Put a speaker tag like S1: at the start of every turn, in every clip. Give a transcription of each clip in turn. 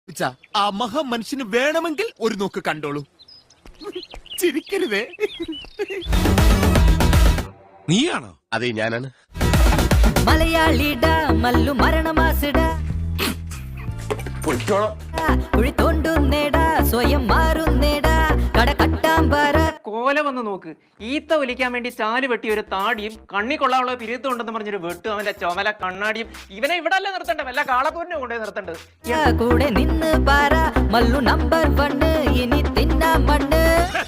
S1: ആ മഹാമനുഷ്യന് വേണമെങ്കിൽ ഒരു നോക്ക് കണ്ടോളൂ. ചിരിക്കരുതേ.
S2: നീയാണോ?
S1: അതെ, ഞാനാണ്.
S3: മലയാളിട മല്ലു മരണമാസിട കുഴി തോണ്ടുന്നേട സ്വയം മാറുന്നേട കട കട്ടാമ്പാറ.
S4: കോല വന്ന് നോക്ക്, ഈത്ത ഒലിക്കാൻ വേണ്ടി ചാല് വെട്ടി ഒരു താടിയും കണ്ണി കൊള്ളാനുള്ള പിരിയത്തും ഉണ്ടെന്ന് പറഞ്ഞൊരു വെട്ടും അവന്റെ ചുമല കണ്ണാടിയും. ഇവനെ ഇവിടെ അല്ല നിർത്തേണ്ടത്, വല്ല കാളപ്പൂരിനെ കൊണ്ടേ നിർത്തേണ്ടത്.
S3: കൂടെ നിന്ന് പാറ മല്ലു നമ്പർ 1 ഇനി തിന്നാ മണ്ണ്.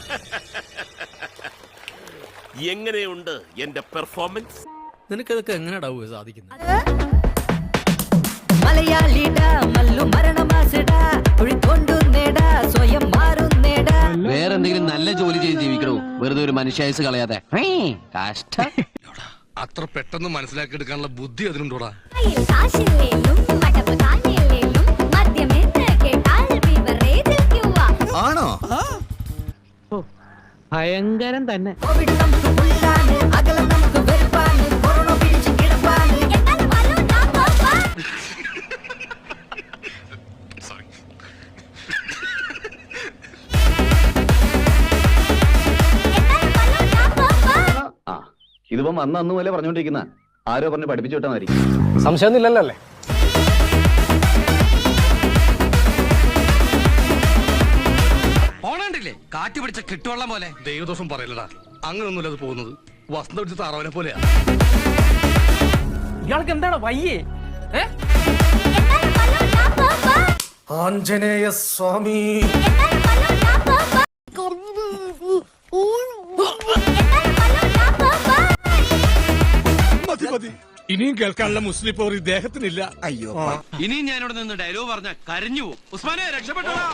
S1: എങ്ങനെയുണ്ട് എന്റെ പെർഫോമൻസ്?
S2: നിനക്കതൊക്കെ എങ്ങനെയാ സാധിക്കുന്നത്?
S3: മലയാളിട മല്ലു മരണമാസിട കുഴി തോണ്ടുന്നേട സ്വയം മാറുന്നേട.
S5: വേറെന്തെങ്കിലും നല്ല ജോലി ചെയ്ത് ജീവിക്കണോ, വെറുതെ ഒരു മനുഷ്യായുസ് കളയാതെ. കഷ്ടം.
S2: അത്ര പെട്ടെന്ന് മനസ്സിലാക്കിയെടുക്കാനുള്ള ബുദ്ധി അതിനുണ്ടോടാ?
S1: ആണോ?
S4: ഭയങ്കരം തന്നെ.
S3: കോവിഡ് നമുക്ക് ഉള്ളാണ്, അകലം നമുക്ക് വെറുപ്പാണ്, കൊറോണ പിടിച്ച് കിടപ്പാണ്.
S5: ഇതിപ്പം അന്ന് പോലെ പറഞ്ഞോണ്ടിരിക്കുന്ന ആരോ പറഞ്ഞ് പഠിപ്പിച്ചു വിട്ടാൽ മതി.
S4: സംശയമൊന്നുമില്ലല്ലോ അല്ലേ?
S2: ഓണണ്ടില്ലേ കാറ്റ് പിടിച്ച കിട്ടുവെള്ളം പോലെ. ദൈവദോഷം പറയലടാ, അങ്ങനൊന്നുമില്ല അത് പോകുന്നത്. വസന്ത പിടിച്ച താറാവിനെ പോലെയാ.
S4: ഇയാൾക്ക് എന്താണ് വയ്യേ?
S2: ആഞ്ജനേയ സ്വാമി. ഇനിയും കേൾക്കാനുള്ള മുസ്ലിം പോർ ഇദ്ദേഹത്തിനില്ല.
S1: അയ്യോ,
S2: ഇനിയും ഞാനിവിടെ നിന്ന് ഡയലോഗ് പറഞ്ഞ കരഞ്ഞു പോകും. ഉസ്മാനെ രക്ഷപ്പെട്ടോ.